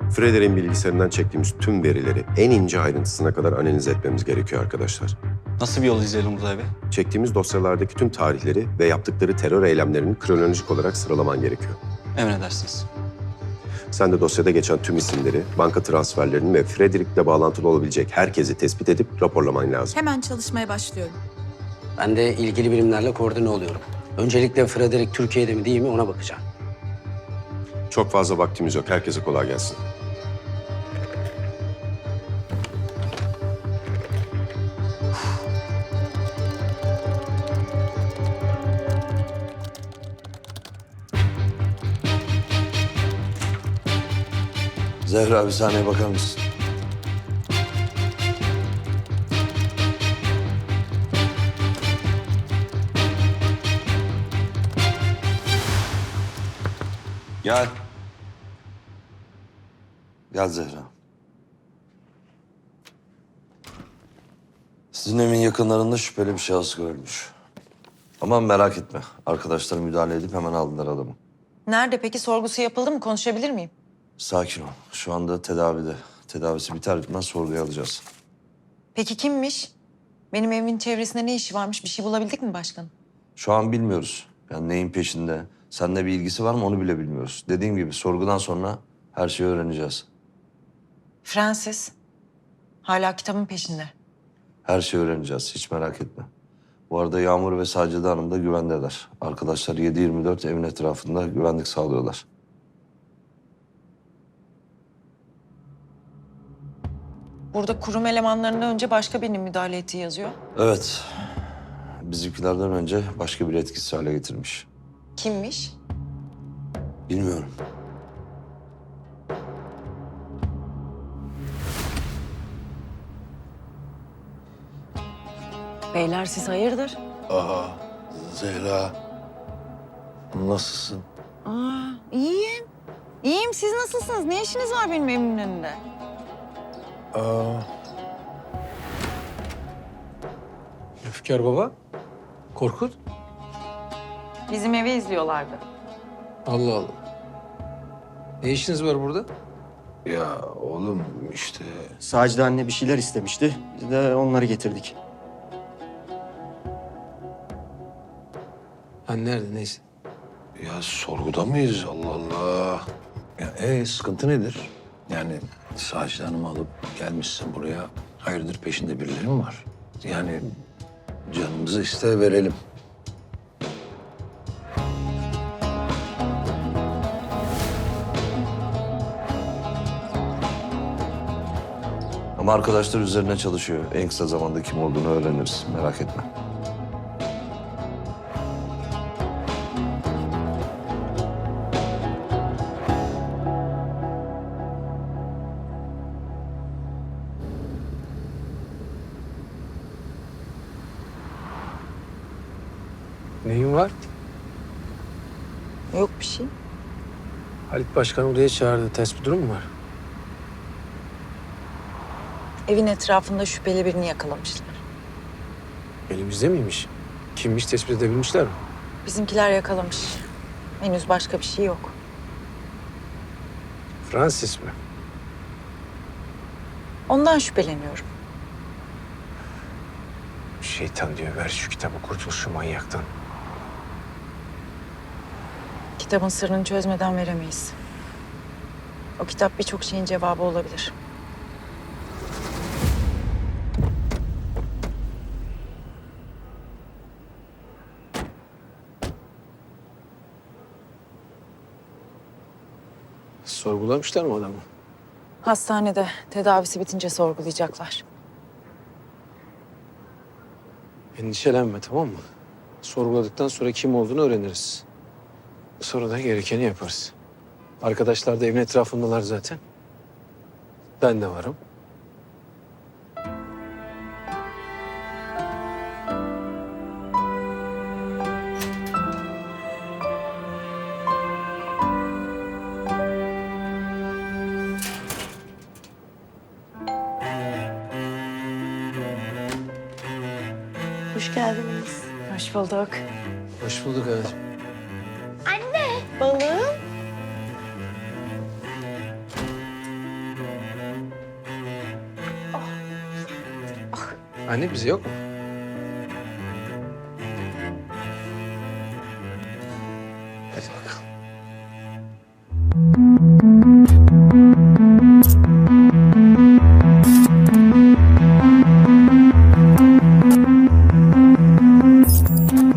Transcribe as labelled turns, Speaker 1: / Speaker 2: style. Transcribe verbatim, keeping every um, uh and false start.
Speaker 1: Frederick'in bilgisayarından çektiğimiz tüm verileri en ince ayrıntısına kadar analiz etmemiz gerekiyor arkadaşlar.
Speaker 2: Nasıl bir yol izleyelim Uzay Bey?
Speaker 1: Çektiğimiz dosyalardaki tüm tarihleri ve yaptıkları terör eylemlerini kronolojik olarak sıralaman gerekiyor.
Speaker 2: Emredersiniz.
Speaker 1: Sen de dosyada geçen tüm isimleri, banka transferlerini ve Frederick'le bağlantılı olabilecek herkesi tespit edip raporlaman lazım.
Speaker 3: Hemen çalışmaya başlıyorum.
Speaker 4: Ben de ilgili birimlerle koordine oluyorum. Öncelikle Frederick Türkiye'de mi değil mi ona bakacağım.
Speaker 1: Çok fazla vaktimiz yok. Herkese kolay gelsin.
Speaker 5: Zehra bir saniye bakar mısın? Gel. Gel Zehra. Sizin evin yakınlarında şüpheli bir şahıs görülmüş. Ama merak etme. Arkadaşlar müdahale edip hemen aldılar adamı.
Speaker 6: Nerede peki? Sorgusu yapıldı mı? Konuşabilir miyim?
Speaker 5: Sakin ol. Şu anda tedavide. Tedavisi biter bitmez sorguya alacağız.
Speaker 6: Peki kimmiş? Benim evimin çevresinde ne işi varmış? Bir şey bulabildik mi başkanım?
Speaker 5: Şu an bilmiyoruz. Yani neyin peşinde, seninle bir ilgisi var mı onu bile bilmiyoruz. Dediğim gibi sorgudan sonra her şeyi öğreneceğiz.
Speaker 6: Francis. Hala kitabın peşinde.
Speaker 5: Her şeyi öğreneceğiz. Hiç merak etme. Bu arada Yağmur ve Sacide Hanım da güvendeler. Arkadaşlar yedi yirmi dört evin etrafında güvenlik sağlıyorlar.
Speaker 6: Burada kurum elemanlarından önce başka birinin müdahale ettiği yazıyor.
Speaker 5: Evet. Bizimkilerden önce başka bir etkisiz hale getirmiş.
Speaker 6: Kimmiş?
Speaker 5: Bilmiyorum.
Speaker 6: Beyler siz hayırdır?
Speaker 7: Aa, Zehra. Nasılsın?
Speaker 6: Aa, iyiyim. İyiyim. Siz nasılsınız? Ne işiniz var benim evimin önünde?
Speaker 7: Aa,
Speaker 8: Öfker baba, Korkut.
Speaker 6: Bizim evi izliyorlardı.
Speaker 8: Allah Allah. Ne işiniz var burada?
Speaker 7: ya oğlum işte
Speaker 9: Sacide anne bir şeyler istemişti. Biz de onları getirdik.
Speaker 8: Ha nerede neyse.
Speaker 7: ya sorguda mıyız? Allah Allah. Ya e sıkıntı nedir? Yani Sacide Hanım'ı alıp gelmişsin buraya. Hayırdır peşinde birileri mi var? Yani canımızı iste verelim.
Speaker 5: Ama arkadaşlar üzerine çalışıyor. En kısa zamanda kim olduğunu öğreniriz. Merak etme.
Speaker 8: Neyin var?
Speaker 6: Yok bir şey.
Speaker 8: Halit Başkan odaya çağırdı. Ters bir durum mu var?
Speaker 6: Evin etrafında şüpheli birini yakalamışlar.
Speaker 8: Elimizde miymiş? Kimmiş tespit edebilmişler mi?
Speaker 6: Bizimkiler yakalamış. Henüz başka bir şey yok.
Speaker 8: Francis mi?
Speaker 6: Ondan şüpheleniyorum.
Speaker 8: Şeytan diyor ver şu kitabı kurtul şu manyaktan.
Speaker 6: Kitabın sırrını çözmeden veremeyiz. O kitap birçok şeyin cevabı olabilir.
Speaker 8: Sorgulamışlar mı adamı?
Speaker 6: Hastanede tedavisi bitince sorgulayacaklar.
Speaker 8: Endişelenme tamam mı? Sorguladıktan sonra kim olduğunu öğreniriz. Sonra da gerekeni yaparız. Arkadaşlar da evin etrafındalar zaten. Ben de varım.
Speaker 6: Hoş geldiniz. Hoş bulduk.
Speaker 8: Hoş bulduk hayatım.
Speaker 6: Balığım.
Speaker 8: Anne bize yok mu? Hadi bakalım.